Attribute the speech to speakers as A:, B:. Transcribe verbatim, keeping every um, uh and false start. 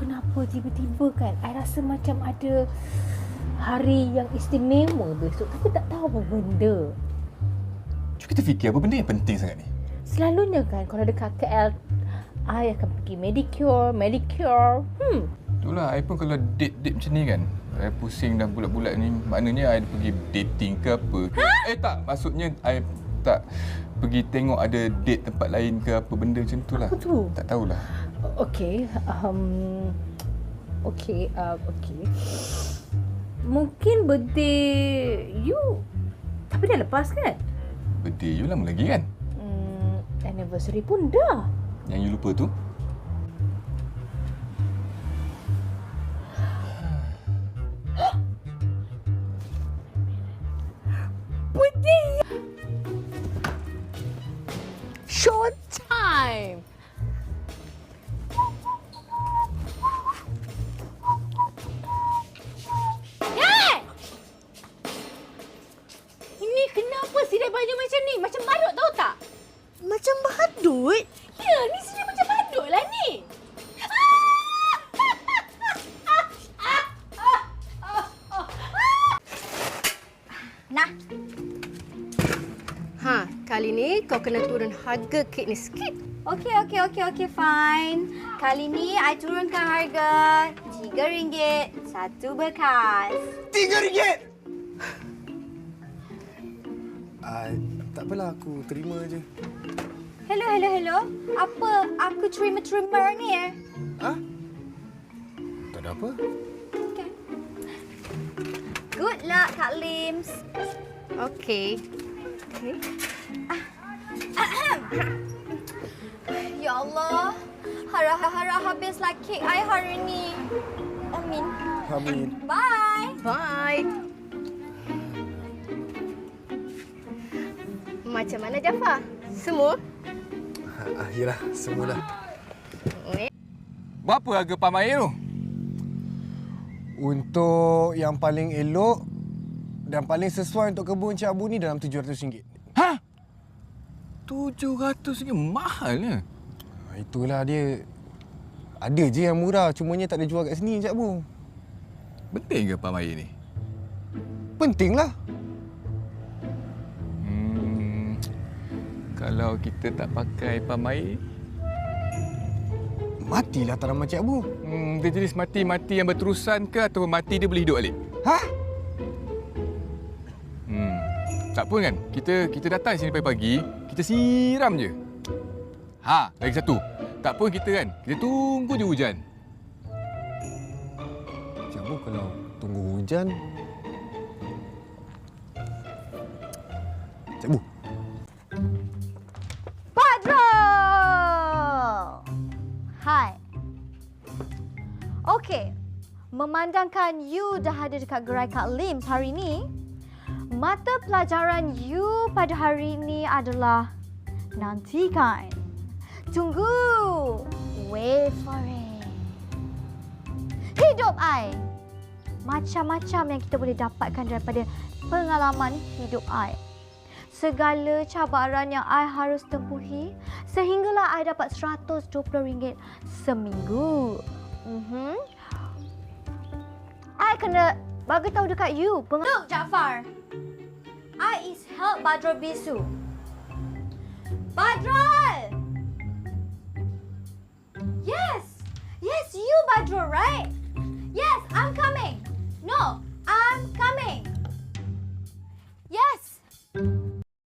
A: kenapa tiba-tiba kan I rasa macam ada hari yang istimewa besok, tapi tak tahu apa benda.
B: Cuba kita fikir apa benda yang penting sangat ni.
A: Selalunya kan kalau dekat K L, I akan pergi medicure, medicure. Hmm.
B: Itulah, I pun kalau date-date macam ni kan, I pusing dah bulat-bulat ni. Maknanya I pergi dating ke apa. Ha? Eh tak, maksudnya I tak pergi tengok ada date tempat lain ke apa benda macam tu lah.
A: Apa tu?
B: Tak tahulah.
A: Okay. Um, okay. Uh, okay. Mungkin birthday you, tapi dah lepas kan?
B: Birthday you lama lagi kan?
A: Hmm, anniversary pun dah.
B: Yang you lupa tu?
A: Birthday! Short time! Kenapa sidai baju macam ni? Macam badut tahu tak?
C: Macam badut?
A: Ya, ni sidai macam badut lah ni.
C: Nah. Ha, kali ni kau kena turun harga kek ni sikit.
D: Okey, okey, okey, okey, fine. Kali ni I turunkan harga tiga ringgit satu bekas.
B: Tiga ringgit?
E: Uh, tak apalah, aku terima je.
D: Hello, hello, hello. Apa aku terima-terima ni eh?
E: Ha? Tak ada apa.
D: Okay. Good luck, Kak Lims.
C: Okey.
D: Okay. Ya Allah. Harah-harah habislah kek I hari ni. Amin.
E: Amin.
D: Bye.
C: Bye. Macam mana Jafar? Semua?
E: Ha, yelah, semualah.
B: Berapa harga pam air tu?
E: Untuk yang paling elok dan paling sesuai untuk kebun Cik Abu ni dalam tujuh ratus ringgit.
B: Ha? tujuh ratus ringgit? Mahalnya.
E: Ha, itulah dia. Ada je yang murah, cumanya tak ada jual kat sini Cik Abu.
B: Penting ke pam air ni?
E: Pentinglah.
B: Kalau kita tak pakai pam air,
E: matilah tanaman Cik Abu.
B: Hmm, dia jenis mati-mati yang berterusan ke atau mati dia boleh hidup balik?
E: Ha?
B: Hmm. Tak pun kan? Kita kita datang sini pagi-pagi, kita siram je. Ha, lagi satu. Tak pun kita kan, kita tunggu je hujan.
E: Cik Abu kalau tunggu hujan... Cik Abu.
D: Hai. Okey. Memandangkan you dah ada dekat gerai Kak Lims hari ni, mata pelajaran you pada hari ini adalah nantikan. Tunggu. Wait for it. Hidup I. Macam-macam yang kita boleh dapatkan daripada pengalaman hidup I. Segala cabaran yang I harus tempuhi sehinggalah I dapat seratus dua puluh ringgit seminggu. Mhm. I kena bagi tahu dekat you. Peng- Look, Jaafar. I is help Badrul Bisu. Badrul! Yes! Yes, you Badrul, right? Yes, I'm coming. No,